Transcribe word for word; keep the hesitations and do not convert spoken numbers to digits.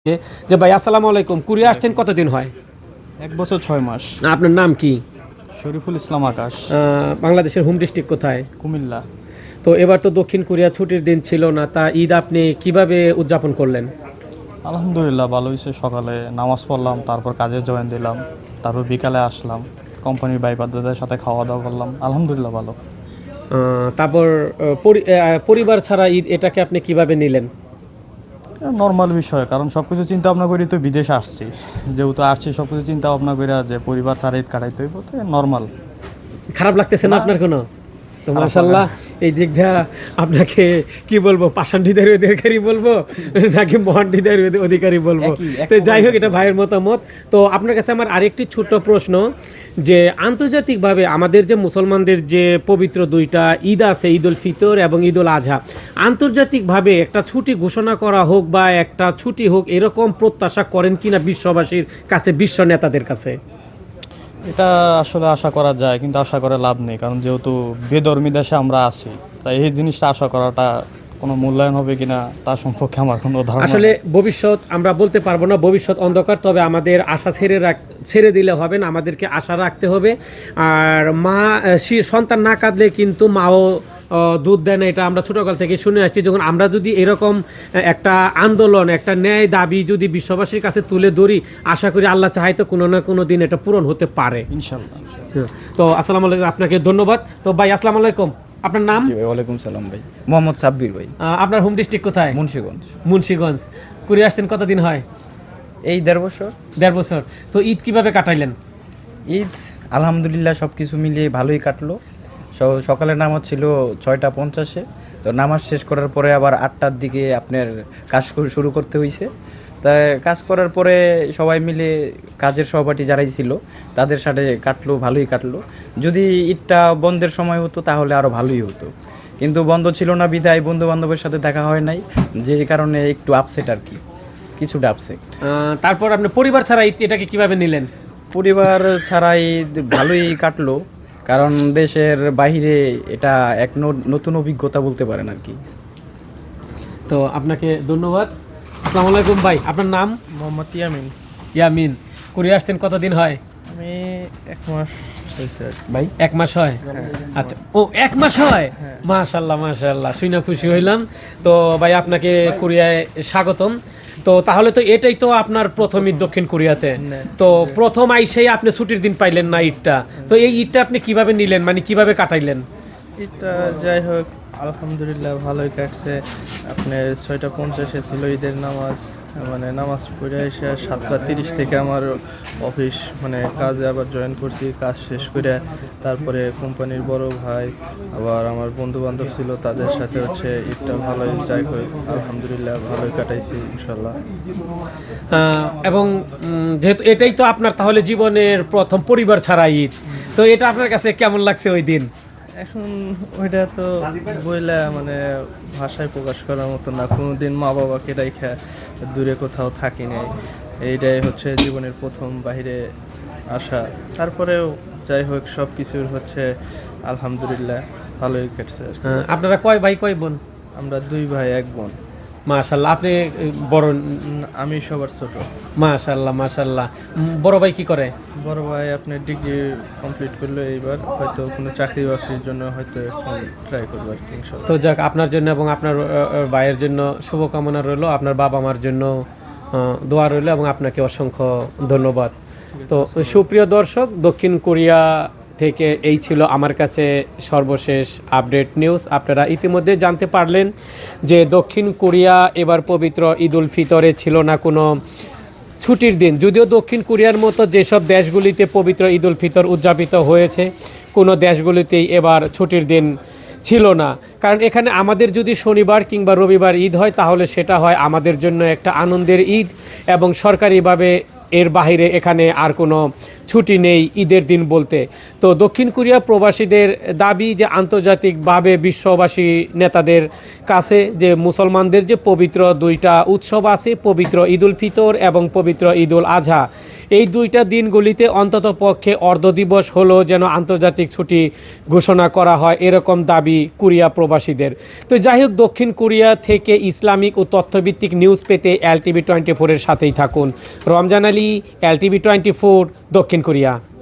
যে ভাই আসসালামু আলাইকুম, কোরিয়া আসছেন কতদিন হয়? এক বছর ছয় মাস। আপনার নাম কি? শরীফুল ইসলাম আকাশ। আহ, বাংলাদেশের হোম ডিস্ট্রিক্ট কোথায়? কুমিল্লা। তো এবার তো দক্ষিণ কোরিয়া ছুটির দিন ছিল না, তা ঈদ আপনি কিভাবে উদযাপন করলেন? আলহামদুলিল্লাহ ভালো হয়েছে। সকালে নামাজ পড়লাম, তারপর কাজে জয়েন দিলাম, তারপর বিকালে আসলাম, কোম্পানির ভাই বাদ্যদের সাথে খাওয়া দাওয়া করলাম। আলহামদুলিল্লাহ ভালো। আহ, তারপর আহ, পরি- আহ, পরিবার ছাড়া ঈদ এটাকে আপনি কিভাবে নিলেন? নর্মাল বিষয়, কারণ সব কিছু চিন্তা ভাবনা করি তো বিদেশে আসছি, যেহেতু আসছি সব কিছু চিন্তা ভাবনা করে যে পরিবার ছাড়া ঈদ কাটাইতে হইব, তো নর্মাল। খারাপ লাগতেছে না না। আপনার কোনো? তো খারাপ মাশাল্লাহ, এই দিক দিয়ে আপনাকে কি বলবো, পাষাণ্ডিদের অধিকারী বলবো নাকি মহান্ডিদের অধিকারী বলবো? একই, এক তো যাই হোক, প্রকার। এটা ভাইয়ের মতামত। তো আপনার কাছে আমার আরেকটি ছোট্ট প্রশ্ন, যে আন্তর্জাতিকভাবে আমাদের যে মুসলমানদের যে পবিত্র দুইটা ঈদ আছে, ঈদ উল ফিতর এবং ঈদ উল আজহা, আন্তর্জাতিকভাবে একটা ছুটি ঘোষণা করা হোক বা একটা ছুটি হোক, এরকম প্রত্যাশা করেন কিনা বিশ্ববাসীর কাছে, বিশ্ব নেতাদের কাছে? এটা আসলে আশা করা যায়, কিন্তু আশা করে লাভ নেই, কারণ যেহেতু বেধর্মী দেশে আমরা আছি, তাই এই জিনিসটা আশা করাটা কোনো মূল্যায়ন হবে কিনা তার সম্পর্কে আমার কোনো ধারণা আসলে নেই। ভবিষ্যৎ আমরা বলতে পারবো না, ভবিষ্যৎ অন্ধকার। তবে আমাদের আশা ছেড়ে রাখ ছেড়ে দিলে হবে না, আমাদেরকে আশা রাখতে হবে। আর মা সে সন্তান না কাঁদলে কিন্তু মাও আহ, দুধ দেয় না, এটা আমরা ছোটকাল থেকে শুনে আসছি। যখন আমরা যদি এরকম একটা আন্দোলন, একটা ন্যায় দাবি যদি বিশ্ববাসীর কাছে তুলে ধরি, আশা করি আল্লাহ চাহাই তো কোনো না কোনো দিন এটা পূরণ হতে পারে। ইনশাল্লাহ। হ্যাঁ। তো আসসালামু আলাইকুম, আপনাকে ধন্যবাদ। তো ভাই আসসালামু আলাইকুম, আপনার নাম? জি ভাই, ওয়ালাইকুম সালাম ভাই। মোহাম্মদ সাব্বির ভাই, আহ, আপনার হোম ডিস্ট্রিক্ট কোথায়? মুন্সিগঞ্জ। মুন্সিগঞ্জ। কোরিয়া আসছেন কতদিন হয়? এই দেড় বছর। দেড় বছর। তো ঈদ কিভাবে কাটাইলেন? ঈদ আলহামদুলিল্লাহ সব কিছু মিলিয়ে ভালোই কাটলো। স- সকালের নামাজ ছিল ছয়টা পঞ্চাশে, তো নামাজ শেষ করার পরে আবার আটটার দিকে আপনার কাজ কর- শুরু করতে হয়েছে। তাই কাজ করার পরে সবাই মিলে কাজের সহপাঠী যারাই ছিল তাদের সাথে কাটলো, ভালোই কাটলো। যদি ঈদটা বন্ধের সময় হতো তাহলে আরও ভালোই হতো, কিন্তু বন্ধ ছিল না বিধায় বন্ধু বান্ধবের সাথে দেখা হয় নাই, যে কারণে একটু আপসেট আর কি, কিছুটা আপসেট। আহ, তারপর আপনি পরিবার ছাড়া ঈদ এটাকে কিভাবে নিলেন? পরিবার ছাড়াই ভালোই কাটলো, কারণ দেশের বাইরে এটা এক ন- নতুন অভিজ্ঞতা বলতে পারেন আর কি। তো আপনাকে ধন্যবাদ। আসসালামু আলাইকুম ভাই, আপনার নাম? মোহাম্মদ ইয়ামিন। ইয়ামিন। কোরিয়া আসছেন কতদিন হয়? আমি এক মাস হয়েছে আর কি। ভাই এক মাস হয়? আচ্ছা, ও এক মাস হয়। মাশাল্লাহ মাশাল্লাহ, শুনে খুশি হইলাম। তো ভাই আপনাকে কোরিয়ায় স্বাগতম। তো তাহলে তো এটাই তো আপনার প্রথম ঈদ দক্ষিণ কোরিয়াতে। তো প্রথম আইসেই আপনি ছুটির দিন পাইলেন না ঈদটা, তো এই ঈদটা আপনি কিভাবে নিলেন, মানে কিভাবে কাটাইলেন? ঈদটা যাই হোক আলহামদুলিল্লাহ ভালোই কাটছে। আপনার ছয়টা পঞ্চাশে ছিল ঈদের নামাজ, মানে নামাজ পড়ে এসে সাতটা তিরিশ থেকে আমার অফিস মানে কাজে আবার জয়েন করছি। কাজ শেষ করে তারপরে কোম্পানির বড় ভাই আবার আমার বন্ধু বান্ধব ছিল, তাদের সাথে হচ্ছে ঈদটা ভালোই যাই হোক আলহামদুলিল্লাহ ভালোই কাটাইছি ইনশাল্লাহ। আহ, এবং উম, যেহেতু এটাই তো আপনার তাহলে জীবনের প্রথম পরিবার ছাড়া ঈদ, তো এটা আপনার কাছে কেমন লাগছে ওই দিন? এখন ওইটা তো বইলা মানে ভাষায় প্রকাশ করার মতো না। কোনোদিন মা বাবাকে রেখে দূরে কোথাও থাকি নাই, এইটাই হচ্ছে জীবনের প্রথম বাইরে আসা। তারপরেও যাই হোক সব কিছুর হচ্ছে আলহামদুলিল্লাহ ভালোই কেটেছে আর কি। আহ, আপনারা কয় ভাই কয় বোন? আমরা দুই ভাই এক বোন। মাশাল্লাহ, আপনি আহ, বড়? উম, আমি সবার ছোট। মাশাল্লাহ মাশাল্লাহ। উম, বড় ভাই কি করে? বড় ভাই আপনার ডিগ্রি কমপ্লিট করলো, এইবার হয়তো কোনো চাকরি বাকরির জন্য হয়তো এখন ট্রাই করবো আর কি ইনশাল্লাহ। তো যাক, আপনার জন্য এবং আপনার আহ, আহ, ভাইয়ের জন্য শুভকামনা রইলো, আপনার বাবা মার জন্য আহ, দোয়া রইলো, এবং আপনাকে অসংখ্য ধন্যবাদ। তো সুপ্রিয় দর্শক, দক্ষিণ কোরিয়া থেকে এই ছিল আমার কাছে সর্বশেষ আপডেট নিউজ। আপনারা ইতিমধ্যে জানতে পারলেন যে দক্ষিণ কোরিয়া এবার পবিত্র ঈদ উল ফিতরে ছিল না কোনো ছুটির দিন। যদিও দক্ষিণ কোরিয়ার মতো যেসব দেশগুলিতে পবিত্র ঈদ উল ফিতর উদযাপিত হয়েছে, কোনো দেশগুলিতেই এবার ছুটির দিন ছিল না। কারণ এখানে আমাদের যদি শনিবার কিংবা রবিবার ঈদ হয়, তাহলে সেটা হয় আমাদের জন্য একটা আনন্দের ঈদ, এবং সরকারিভাবে এর বাইরে এখানে আর কোনো ছুটি নেই ঈদের দিন বলতে। তো দক্ষিণ কোরিয়া প্রবাসীদের দাবি যে আন্তর্জাতিকভাবে বিশ্ববাসী নেতাদের কাছে যে মুসলমানদের যে পবিত্র দুইটা উৎসব আছে, পবিত্র ঈদ উল ফিতর এবং পবিত্র ঈদ উল আজহা, এই দুইটা দিনগুলিতে অন্তত পক্ষে অর্ধ দিবস হলো যেন আন্তর্জাতিক ছুটি ঘোষণা করা হয়, এরকম দাবি কোরিয়া প্রবাসীদের। তো যাই হোক, দক্ষিণ কোরিয়া থেকে ইসলামিক ও তথ্যভিত্তিক নিউজ পেতে এল টিভি টোয়েন্টি ফোরের সাথেই থাকুন। Ramzan Ali, L TV twenty four, দক্ষিণ কোরিয়া।